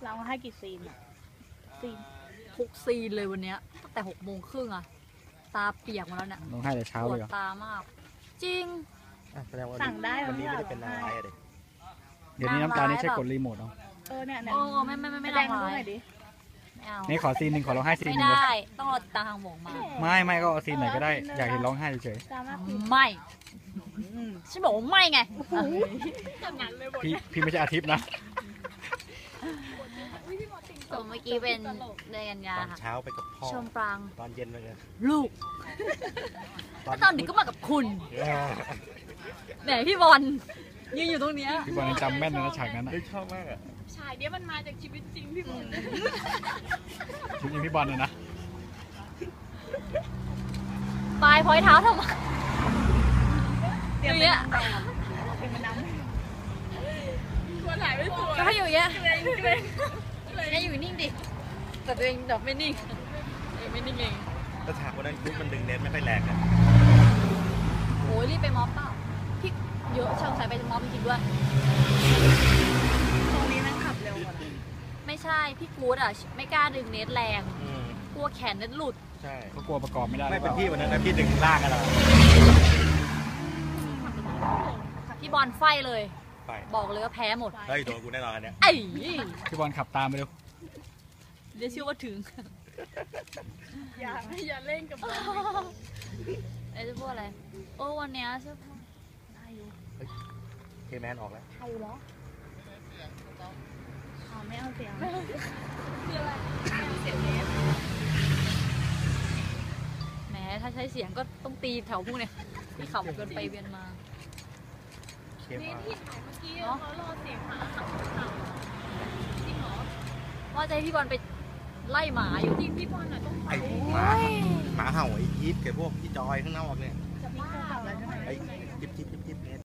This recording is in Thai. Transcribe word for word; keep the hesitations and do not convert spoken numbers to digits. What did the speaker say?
เราให้กี่ซีนอะซีนทุกซีนเลยวันเนี้ยตั้งแต่หกโมงครึ่งอะตาเปียกมาแล้วเนี่ยร้องไห้แต่เช้าปวเลดยเหรอตามาก จริงอ่ะแสดงว่าสั่งได้วันนี้หไม่รือได้เป็นนางร้ายอะเด็กเดี๋ยวนี้น้ำตาลนี่ใช้กดรีโมทเอาเออเนี่ยเนี่ยโอ้ไม่ไม่ไม่ไม่แดได้งร้าดูหน่อย ยดิไม่เอานี่ขอซีนหนึ่งขอร้องไห้ซีนไม่หนึ่งเลยได้ต้องรอตาทางหมงมาไม่ไม่ก็เอาซีนไหนก็ได้อยากเห็นร้องไห้เฉยดราม่าซีนไม่ฉันบอกว่าไม่ไงๆพี่พี่ไม่ใช่อาทิตย์นะส่วนเมื่อกี้เป็นเดือนกันยาตอนค่ะเช้าไปกับพ่อชมปรางตอนเย็นไปเลยลูกแล้วตอนดึกก็มากับคุณเออแหมพี่บอลยืนอยู่ตรงเนี้ยพี่บอลยังจำแม่นเลยนะฉากนั้นอะเฮ้ยชอบมากอ่ะฉากเนี้ยมันมาจากชีวิตจริงพี่บอลชุดยังพี่บอลเลยนะปลายพอยเท้าทำไมเตรียมอเป็ย่างนเงี้ยนางแบบเตรียมเป็นน้ำตัวถ่ายไม่สวยก็ให้อยู่อย่างเงี้ยเกรงเกรงให้อยู่นิ่งดิแต่ตัวเองแบบไม่นิ่งเองไม่นิ่งเองแล้วฉากวันนั้นคุกมันดึงเน็ตไม่ค่อยแรงนะโอ้ยรีบไปม็อบเปล่าพี่เยอะช่างสายไปม็อบจริงๆด้วยตรงนี้แม่งขับเร็วกว่าไม่ใช่พี่กู๊ดอ่ะไม่กล้าดึงเน็ตแรงอืมกลัวแขนเน็ตหลุดใช่เขากลัวประกอบไม่ได้ไม่เป็นหรือพี่ปล่าวันนั้นนะพี่ดึงลากกันแล้วพี่บอลไฟเลยไปบอกเลยว่าแพ้หมดเฮ้ยโดนกูแน่นอนอันเนี้ยไอ้พี่บอลขับตามไปเร็วเดี๋ยวเชื่อว่าถึงอย่าอย่าเล่นกับมันไอ้จะพูดอะไรโอ้วันเนี้ยเสื้อผ้าเคแมนออกแล้วใครเหรออ๋อไม่เอาเสียงแหมถ้าใช้เสียงก็ต้องตีแถวพวกเนี้ยพี่ขับเกินไปเวียนมาเคมนี่อาที่ถ่ายเมื่อกี้เขารอเสียงหมาขับขับจริงเหรอว่าจะให้พี่บอลไปไล่หมาอยู่จริงพี่บอลอ่ะต้องไอ้หมาหมาเห่าไอ้ยิปกับพวกพี่จอยข้างนอกเนี่ยจะพี่โกขับแล้วใช่ไหมไอ้ยิบยิบยิบยิบเนี่ย